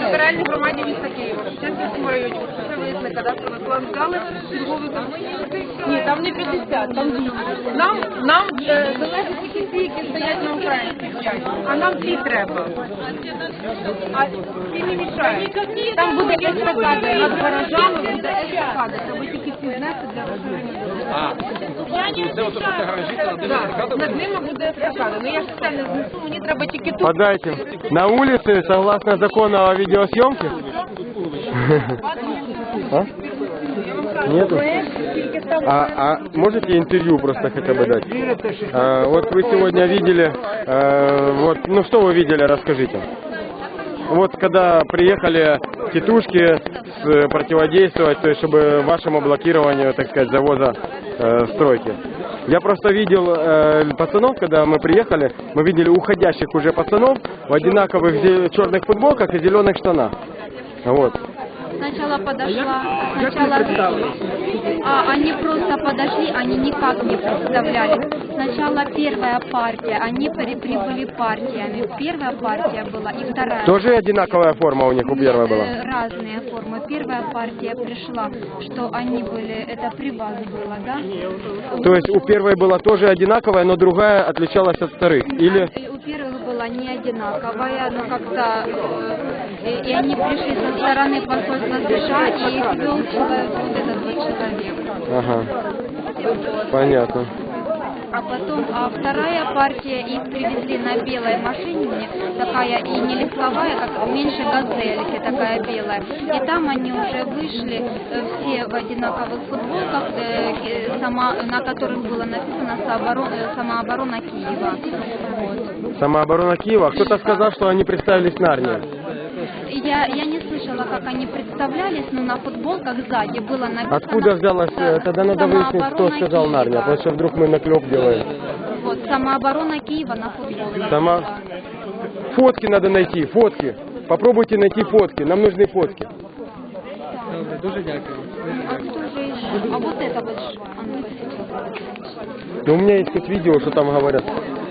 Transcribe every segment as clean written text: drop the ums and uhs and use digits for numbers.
Федеральній громаді міста Києва, в Шевченківському районі, це виясне кадастровий план взяли, черговий ні, там не 50, там 200. Нам залежить тільки ті, які стоять на українській, а нам ті треба. А ті не мішають. Там буде естакада над гаражами, буде естакада, треба тільки ці знести для розширення. Це ото, що це гаражі, це над естакадою? Над ними буде естакада, ну я ж це не знесу, мені треба тільки тут. Подайте. На улице, согласно закону о видеосъемке? А? Нету? А можете интервью просто хотя бы дать? Вот вы сегодня видели, вот, ну что вы видели, расскажите. Вот когда приехали тетушки противодействовать, то есть чтобы вашему блокированию, так сказать, завоза стройки. Я просто видел пацанов, когда мы приехали, мы видели уходящих уже пацанов в одинаковых черных футболках и зеленых штанах. Вот. Сначала подошла, они просто подошли, они никак не представляли. Сначала первая партия, они прибыли партиями. Первая партия была и вторая. Тоже одинаковая форма у них у первой была? Разные формы. Первая партия пришла, что они были, это при вас было, да? То есть у первой была тоже одинаковая, но другая отличалась от вторых? Или... У первых была не одинаковая, но как-то... И они пришли со стороны посольства США, и их вел вот этот вот человек. Ага, понятно. А потом вторая партия, их привезли на белой машине, такая и не легковая, как меньше газельки, такая белая. И там они уже вышли все в одинаковых футболках, на которых было написано «Самооборона Киева». Вот. Самооборона Киева? Кто-то сказал, что они представились Нарнии. Я не слышала, как они представлялись, но на футболках сзади было написано... Откуда взялось? Тогда надо выяснить, кто сказал Нарния, потому что вдруг мы наклеп делаем. Вот, «Самооборона Киева» на футболке. Фотки надо найти, фотки. Попробуйте найти фотки, нам нужны фотки. Дуже дякую. А кто же еще? А вот это вот что? Но у меня есть тут видео, что там говорят.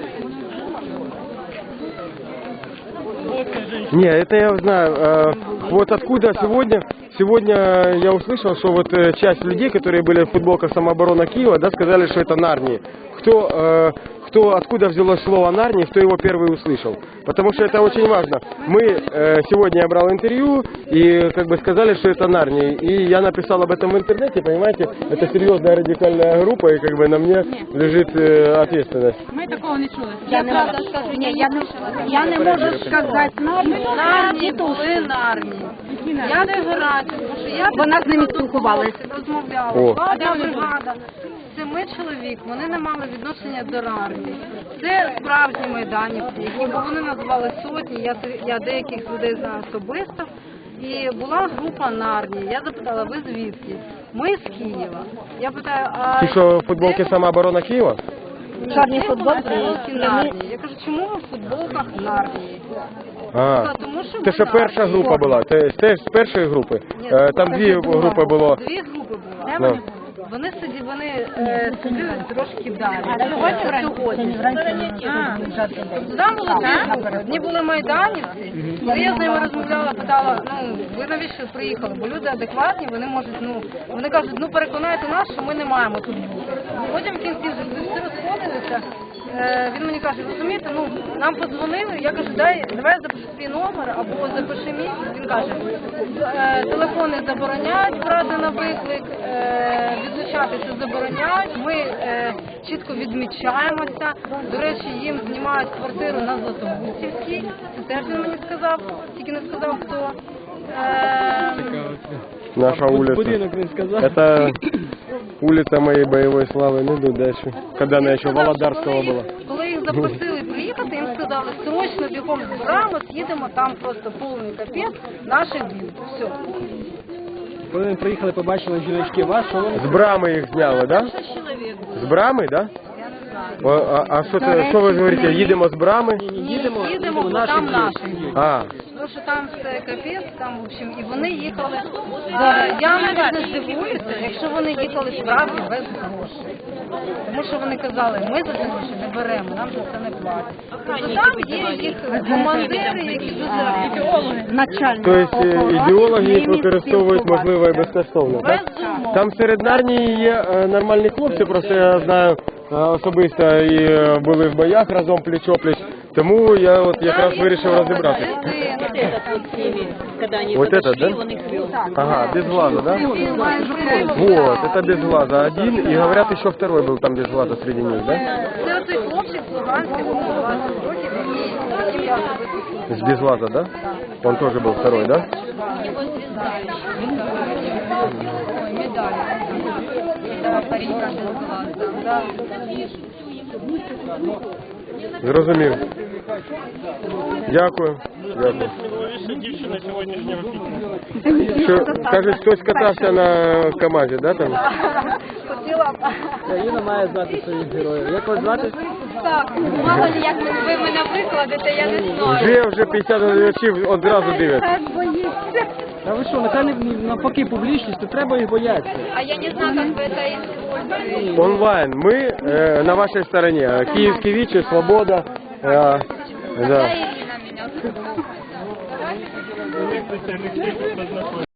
Не, это я знаю. Вот откуда сегодня я услышал, что вот часть людей, которые были в футболках «Самооборона Киева», да, сказали, что это Нарнии. Откуда взялось слово Нарнии, кто его первый услышал. Потому что это очень важно. Сегодня я брал интервью и как бы сказали, что это Нарнии. И я написал об этом в интернете, понимаете, это серьезная радикальная группа, и как бы на мне лежит ответственность. Ми такого не чули. Я правда скажу, Я не можу сказати Нарнії були Нарнії. Я не гарантію, тому що я Вона з ними спілкувалася. розмовляла. Одна бригада. 7 чоловік, вони не мали відношення до Нарнії. Це справжні майданівці, які вони називали сотні, я деяких людей знаю особисто. І була група Нарнії. Я запитала, ви звідки? Ми з Києва. Я питаю, а... Ти що, в футболці «Самооборона Києва»? Чорні футболки Нарнії. Я кажу, чому ви в футболках Нарнії? Це що перша група була? Це з першої групи? Там дві групи було. Дві групи було. Вони сиділи трошки далі. Сьогодні. Там було дві групи. Одні були майданівці. Коли я з ними розмовляла, питала, ви навіщо приїхали? Бо люди адекватні, вони можуть, вони кажуть, переконайте нас, що ми не маємо тут бути. Потім в кінці вже всі розходилися. Він мені каже, розумієте, нам подзвонили, я кажу, давай я запишу свій номер або запиши мій. Він каже, телефони забороняють брати на виклик, відлучатися забороняють, ми чітко відмічаємося. До речі, їм знімають квартиру на Златобусівській, це теж він мені сказав, тільки не сказав хто. Наша улица. Это улица моей боевой славы. Ну, иду дальше. Когда она еще Володарского была. Коли їх запросили приїхати, їм сказали, срочно бігом з брами, їдемо, там просто повний капець, наші б'ють. Все. Коли вони приїхали, побачили жіночки вас, що вони... З брами їх зняли, да? З брами, да? А що ви говорите, їдемо з брами? Їдемо, бо там наші. тому що там все капець, там, в общем, і вони їхали. Я навіть не здивуюся, якщо вони їхали справді без грошей. Тому що вони казали, ми за це гроші не беремо, нам за це не платять. Тобто там є їх командири, які дуже начальні. Тобто ідеологи їх використовують, можливо, і безкоштовно, так? Безумовно. Там серед армії є нормальні хлопці, просто я знаю особисто і були в боях разом пліч-опліч, тому я от якраз вирішив розібратися. Вот этот, да? Ага, без глаза, да? Вот, это без глаза один, и говорят, еще второй был там без глаза среди них, да? Це оцей хлопчик з Луганська, йому 20 років, який я особисто. С без глаза, да? Он тоже был второй, да? Его звезда. Ой, медаль. Да, парень без глаза. Да. Зрозумів. Дякую. Дякую. Що, кажуть, хтось катався на КамАЗі, да, там? Хотіла б. Країна має знати своїх героїв. Як вас звати? Так, мало ли як ви мене викладете, я не знаю. Вже 50 глядачів одразу дивляться. Та ви що, нехай навпаки публічність, то треба їх боятися. А я не знаю, как вы это используете. Онлайн. Мы на вашей стороне. Киевский ВИЧ, Свобода. Да, Да. Ирина меня зовут.